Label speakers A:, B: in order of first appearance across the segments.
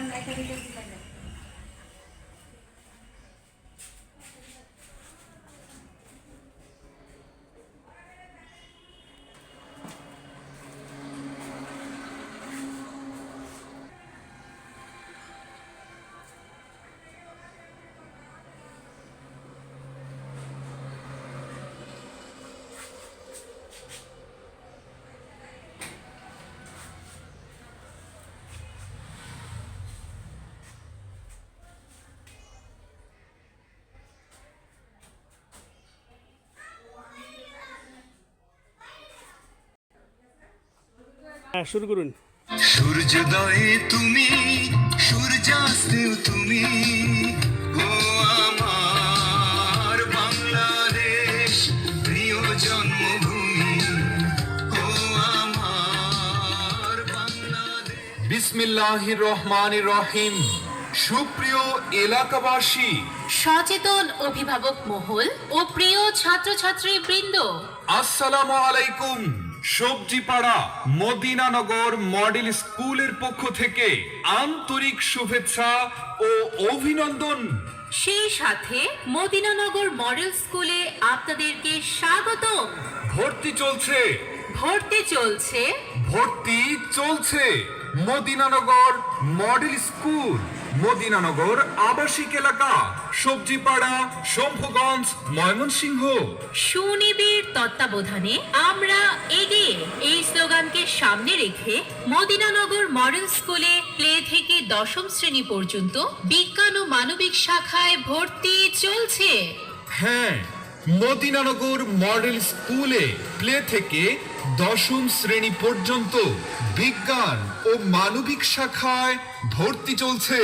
A: শুরু করুন।
B: সূর্যোদয়ে তুমি, সূর্যাস্তেও তুমি, ও আমার বাংলাদেশ, প্রিয় জন্মভূমি, ও আমার বাংলাদেশ।
C: বিসমিল্লাহির রহমানির রহিম। সুপ্রিয় এলাকাবাসী,
D: সচেতন অভিভাবক মহল ও প্রিয় ছাত্রছাত্রী বৃন্দ,
C: আসসালামু আলাইকুম। সবজিপাড়া মদিনানগর মডেল স্কুলের পক্ষ থেকে আন্তরিক শুভেচ্ছা ও অভিনন্দন।
D: সেই সাথে মদিনানগর মডেল স্কুলে আপনাদেরকে স্বাগত।
C: ভর্তি চলছে,
D: ভর্তি চলছে,
C: ভর্তি চলছে। মদিনানগর মডেল স্কুল, মদিনানগর আবাসিক এলাকা, সবজিপাড়া, শম্ভুগঞ্জ, ময়মনসিংহ।
D: সুনিবিড় তত্ত্বাবধানে আমরা এগিয়ে, এই স্লোগানকে সামনে রেখে মদিনানগর মডেল স্কুলে প্লে থেকে দশম শ্রেণী পর্যন্ত বিজ্ঞান ও মানবিক শাখায় ভর্তি চলছে।
C: হ্যাঁ, মদিনানগর মডেল স্কুলে প্লে থেকে দশম শ্রেণী পর্যন্ত বিজ্ঞান ও মানবিক শাখায় ভর্তি চলছে।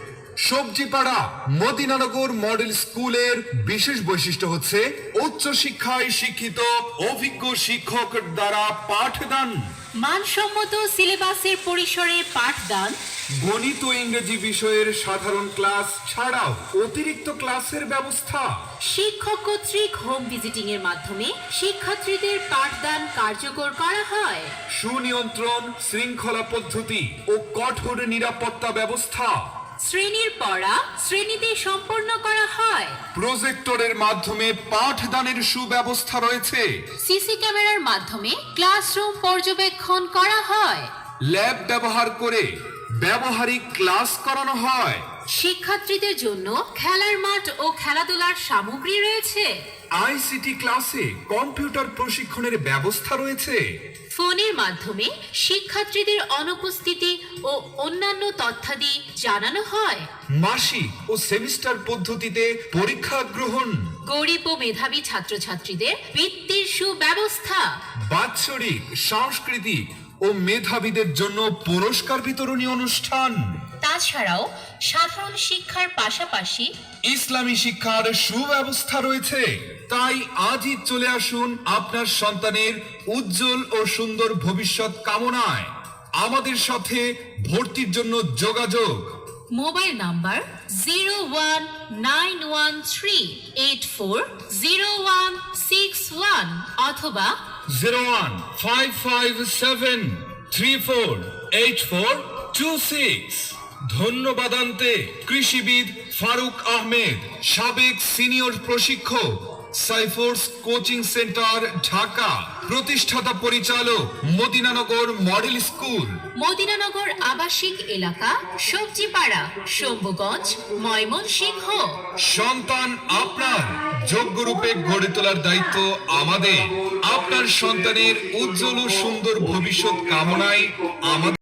C: সবজিপাড়া মদিনানগর মডেল স্কুলের বিশেষ বৈশিষ্ট্য হচ্ছে উচ্চ শিক্ষায় শিক্ষিত অভিজ্ঞ শিক্ষকের দ্বারা পাঠদান,
D: মানসম্মত সিলেবাসের পরিসরে পাঠদান,
C: গণিত ও ইংরেজি বিষয়ের সাধারণ ক্লাস ছাড়াও অতিরিক্ত ক্লাসের ব্যবস্থা,
D: শিক্ষক কর্তৃক হোম ভিজিটিং এর মাধ্যমে শিক্ষার্থীদের পাঠদান কার্যকর করা হয়,
C: সুনিয়ন্ত্রণ শৃঙ্খলা পদ্ধতি ও কঠোর নিরাপত্তা ব্যবস্থা,
D: শ্রেণীর পড়া শ্রেণীতে সম্পন্ন করা হয়,
C: প্রজেক্টরের মাধ্যমে পাঠদানের সুব্যবস্থা রয়েছে,
D: সিসি ক্যামেরার মাধ্যমে ক্লাসরুম পর্যবেক্ষণ করা হয়,
C: ল্যাব ব্যবহার করে ব্যবহারিক ক্লাস করানো হয়,
D: শিক্ষার্থীদের জন্য খেলার মাঠ ও খেলাধুলার সামগ্রী রয়েছে,
C: আইসিটি ক্লাসে কম্পিউটার প্রশিক্ষণের ব্যবস্থা রয়েছে,
D: ফোনের মাধ্যমে শিক্ষার্থীদের অনুপস্থিতি ও অন্যান্য তথ্যাদি জানানো হয়,
C: মাসিক ও সেমিস্টার পদ্ধতিতে পরীক্ষা গ্রহণ,
D: গরিব ও মেধাবী ছাত্রছাত্রীদের বৃত্তির সুব্যবস্থা,
C: বাৎসরিক সাংস্কৃতিক ও মেধাবীদের জন্য পুরস্কার বিতরণী অনুষ্ঠান।
D: তাছাড়াও সাধারণ শিক্ষার পাশাপাশি
C: ইসলামী শিক্ষার সুব্যবস্থা রয়েছে। তাই আজই চলে আসুন আপনার সন্তানের উজ্জ্বল ও সুন্দর ভবিষ্যৎ কামনায়। আমাদের সাথে ভর্তির জন্য যোগাযোগ।
D: মোবাইল নাম্বার 019138400161 অথবা
C: 01557348426। ধন্যবাদান্তে কৃষিবিদ ফারুক আহমেদ, সাবেক সিনিয়র প্রশিক্ষক, সাইফোর্স কোচিং সেন্টার, ঢাকা, প্রতিষ্ঠাতা পরিচালক, মদিনানগর মডেল স্কুল,
D: মদিনানগর আবাসিক এলাকা, সবজিপাড়া, শম্ভুগঞ্জ, ময়মনসিংহ।
C: সন্তান আপনার, যোগ্য রূপে গড়ে তোলার দায়িত্ব আমাদের। আপনার সন্তানের উজ্জ্বল ও সুন্দর ভবিষ্যৎ কামনায় আমাদের